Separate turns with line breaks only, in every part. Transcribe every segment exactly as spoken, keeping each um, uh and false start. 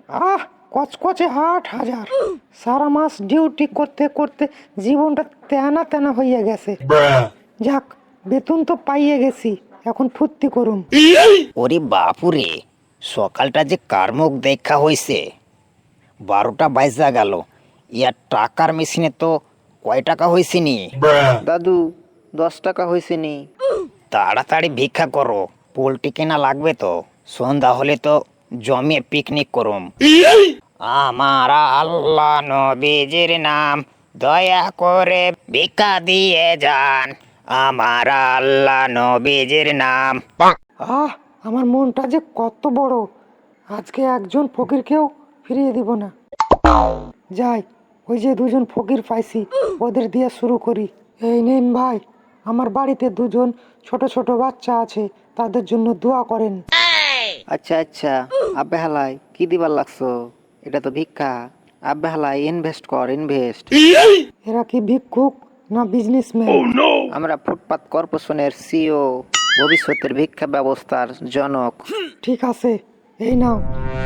আহ কচকচে আট হাজার। সারা মাস ডিউটি করতে করতে জীবনটা তেনা তেনা হইয়া গেছে। যাক, বেতন তো পাইয়ে গেছি, এখন ফুর্তি করুম।
ওরে বাপুরে, সকালটা যে কার মুখ দেখা হয়েছে। বারোটা বাইজা গেল, ইয়ার টাকার মেশিনে তো কয় টাকা হয়েছে নি?
দাদু, দশ টাকা হয়েছে নি।
তাড়াতাড়ি ভিক্ষা করো, পোলট্রি কেনা লাগবে তো। সন্ধ্যা হলে তো জমিয়ে পিকনিক করুম। আমার আল্লাহ নবীজির নাম, দয়া করে ভিক্ষা দিয়ে যান। আমার আল্লাহ নবীজির নাম।
আহ আমার মনটা যে কত বড়, আজকে একজন ফকিরকেও ফিরিয়ে দিব না। যাই, ওই যে দুজন ফকির পাইছি, ওদের দিয়ে শুরু করি। এই নিন ভাই, আমার বাড়িতে দুজন ছোট ছোট বাচ্চা আছে, তাদের জন্য দোয়া করেন।
আচ্ছা আচ্ছা, আব্বে হালাই কি দিবার লাগছো? এটা তো ভিক্ষা। আব্বে হালাই ইনভেস্ট কর, ইনভেস্ট।
এরা কি ভিক্ষুক না বিজনেসম্যান?
আমরা ফুটপাত কর্পোরেশনের সিও, ভবিষ্যতের ভিক্ষা ব্যবস্থার জনক।
ঠিক আছে, এই নাও।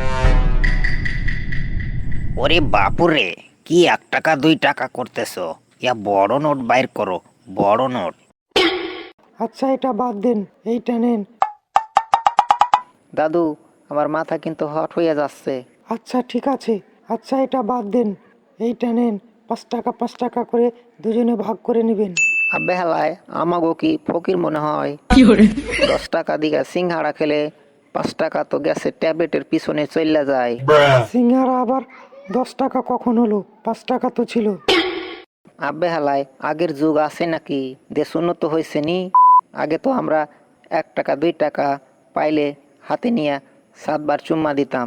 ওরে বাপুরে, কি এক টাকা দুই টাকা করতেছো? ইয়া বড় নোট বাইর করো, বড় নোট।
আচ্ছা এটা বাদ দেন, এইটা নেন।
দাদু, আমার মাথা কিন্তু হট হইয়া যাচ্ছে।
আচ্ছা ঠিক আছে, আচ্ছা এটা বাদ দেন, এইটা নেন। পাঁচ টাকা পাঁচ টাকা করে দুজনে ভাগ করে নেবেন।
আব্বে হালাই আমাগো কি ফকির মনে হয়? দশ টাকা দিঘা সিংহাড়া খেলে পাঁচ টাকা তো গ্যাসের ট্যাবলেটের পিছনে চইলা যায়।
সিঙ্গারা আবার দশ টাকা কখন হলো? পাঁচ টাকা তো ছিল।
আব্বে হালাই আগের যুগ আছে নাকি? দেশ উন্নত হয়েছে নি? আগে তো আমরা এক টাকা দুই টাকা পাইলে হাতে নিয়ে সাতবার চুম্মা দিতাম।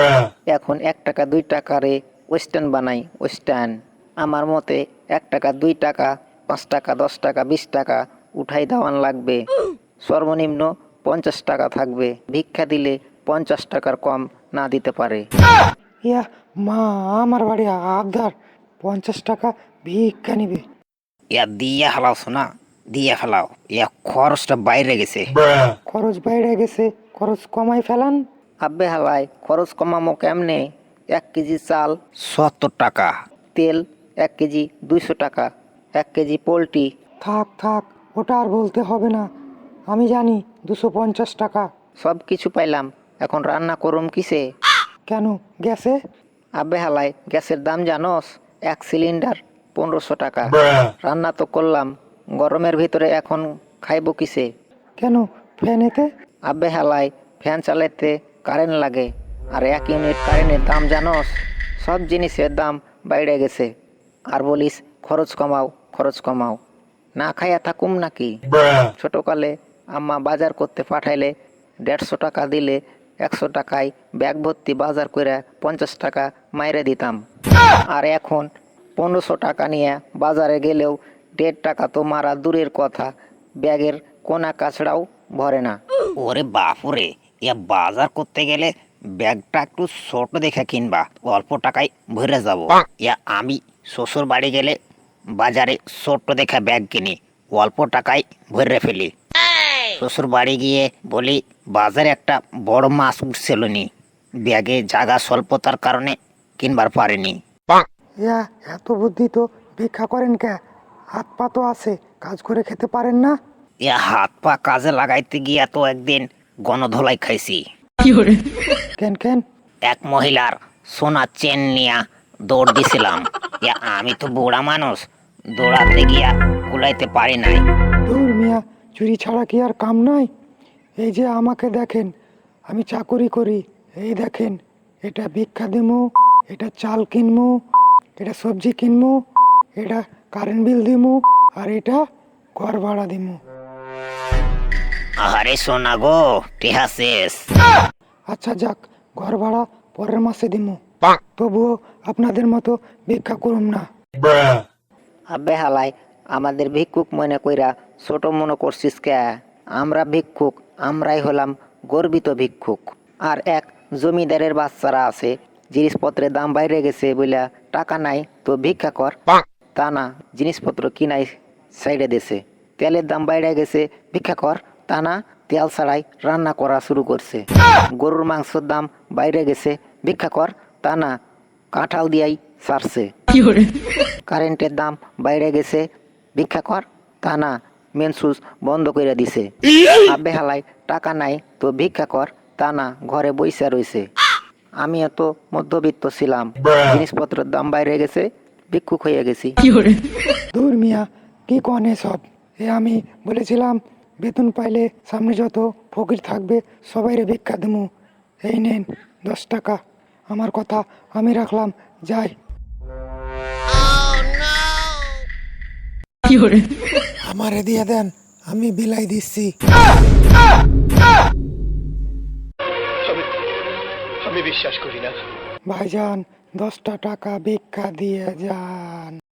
এখন এক টাকা দুই টাকারে ওয়েস্টার্ন বানাই, ওয়েস্টার্ন। আমার মতে এক টাকা দুই টাকা পাঁচ টাকা দশ টাকা বিশ টাকা উঠাই দেওয়ান লাগবে। সর্বনিম্ন পঞ্চাশ টাকা থাকবে। ভিক্ষা দিলে পঞ্চাশ টাকার কম না দিতে পারে।
ইয়া মা, আমার বাড়ি আবদার পঞ্চাশ টাকা ভিক্ষা নিবে।
ইয়া দিয়ে ফেলাও শোনা, দিয়ে ফেলাও। ইয়া খরচটা বাইরে গেছে।
খরচ বাইরে গেছে, খরচ কমাই ফেলান।
আব্বে হালাই খরচ কমামো কেমনে? এক কেজি চাল,
সত্তর টাকা।
তেল এক কেজি দুইশো টাকা, এক কেজি পোলট্রি।
থাক থাক, ওটা আর বলতে হবে না, আমি জানি দুশো পঞ্চাশ টাকা।
সব কিছু পাইলাম, এখন রান্না করুম কিসে?
কেন, গ্যাসে?
আব্বে হালাই গ্যাসের দাম জানোস? এক সিলিন্ডার পনেরোশো টাকা। রান্না তো করলাম, গরমের ভিতরে এখন খাইব কিসে?
কেন, ফ্যানেতে?
আব্বে হালাই ফ্যান চালাইতে কারেন্ট লাগে, আর এক ইউনিট কারেন্টের দাম জানোস? সব জিনিসের দাম বাইরে গেছে, আর বলিস খরচ কমাও খরচ কমাও। না খাইয়া থাকুম নাকি? ছোটকালে আম্মা বাজার করতে পাঠাইলে দেড়শো টাকা দিলে একশো টাকায় ব্যাগ ভর্তি বাজার করে পঞ্চাশ টাকা মাইরে দিতাম। আর এখন পনেরোশো টাকা নিয়ে বাজারে গেলেও দেড় টাকা তো মারা দূরের কথা, ব্যাগের কোনা কাছড়াও ভরে না।
ওরে বাপুরে, ইয়া বাজার করতে গেলে ব্যাগটা একটু ছোট দেখে কিনবা, অল্প টাকায় ভরে যাব। ইয়া আমি শ্বশুর বাড়ি গেলে বাজারে ছোট দেখে ব্যাগ কিনি, অল্প টাকায় ভরে ফেলি। শ্বশুর বাড়ি গিয়ে বলি বাজারে একটা বড় মাছ উঠছিল নি, ব্যাগে জায়গা স্বল্পতার কারণে কিনবার পারিনি।
ইয়া এত বুদ্ধি তো ভিক্ষা করেন কে? হাত পা তো আছে, কাজ করে খেতে পারেন না?
ইয়া হাত পা কাজে লাগাইতে গিয়া তো একদিন গণধোলাই খাইছি।
কেন কেন?
এক মহিলার সোনার চেন নিয়া দৌড় দিছিলাম। ইয়া আমি তো বুড়া মানুষ, দৌড়াতে গিয়া কুলাইতে পারি নাই।
দূর মিয়া, চুরি ছাড়া কি আর কাম নাই? এই যে আমাকে দেখেন, আমি চাকুরি করি। এই দেখেন, এটা ভিক্ষা দিমু, এটা চাল কিনমু, এটা সবজি কিনমু, এটা কারেন্ট বিল দিমু, আর এটা ঘর ভাড়া দিমু।
আহারে সোনা গো, টেহা শেষ।
আচ্ছা যাক, ঘর ভাড়া পরের মাসে দিমু, তবুও আপনাদের মতো ভিক্ষা করুম না।
আব্বে হালাই আমাদের ভিক্ষুক মনে কইরা ছোট মনে করছিস কে? আমরা ভিক্ষুক, আমরাই হলাম গর্বিত ভিক্ষুক। আর এক জমিদারের বাচ্চারা আছে, জিনিসপত্রের দাম বাইরে গেছে বইলা টাকা নাই তো ভিক্ষা কর। তা না, জিনিসপত্র কিনাই সাইডে দেশে। তেলের দাম বাইরে গেছে, ভিক্ষা কর। তা না, তেল ছাড়াই রান্না করা শুরু করছে। গরুর মাংসের দাম বাইরে গেছে, ভিক্ষা কর। তা না, কাঁঠাল দিয়াই সারছে। কারেন্টের দাম বাইরে গেছে, ভিক্ষা কর, তা না, মেন সুইচ বন্ধ করে দিছে। আবে হালাই টাকা নাই তো ভিক্ষা কর, তা না, ঘরে বইসা রইছে। আমি এত মধ্যবিত্ত ছিলাম, জিনিসপত্রের দাম বাইরে গেছে, ভিক্ষুক হয়ে গেছি।
দূর মিয়া, কি কনে সব। এ আমি বলেছিলাম বেতন পাইলে সামনে যত ফকির থাকবে সবাইরে ভিক্ষা দেবো। এই নেন দশ টাকা, আমার কথা আমি রাখলাম, যাই। আমারে দিয়ে দেন, আমি বিলাই দিচ্ছি।
আমি বিশ্বাস করি না।
ভাইজান, দশটা টাকা ভিক্ষা দিয়ে যান।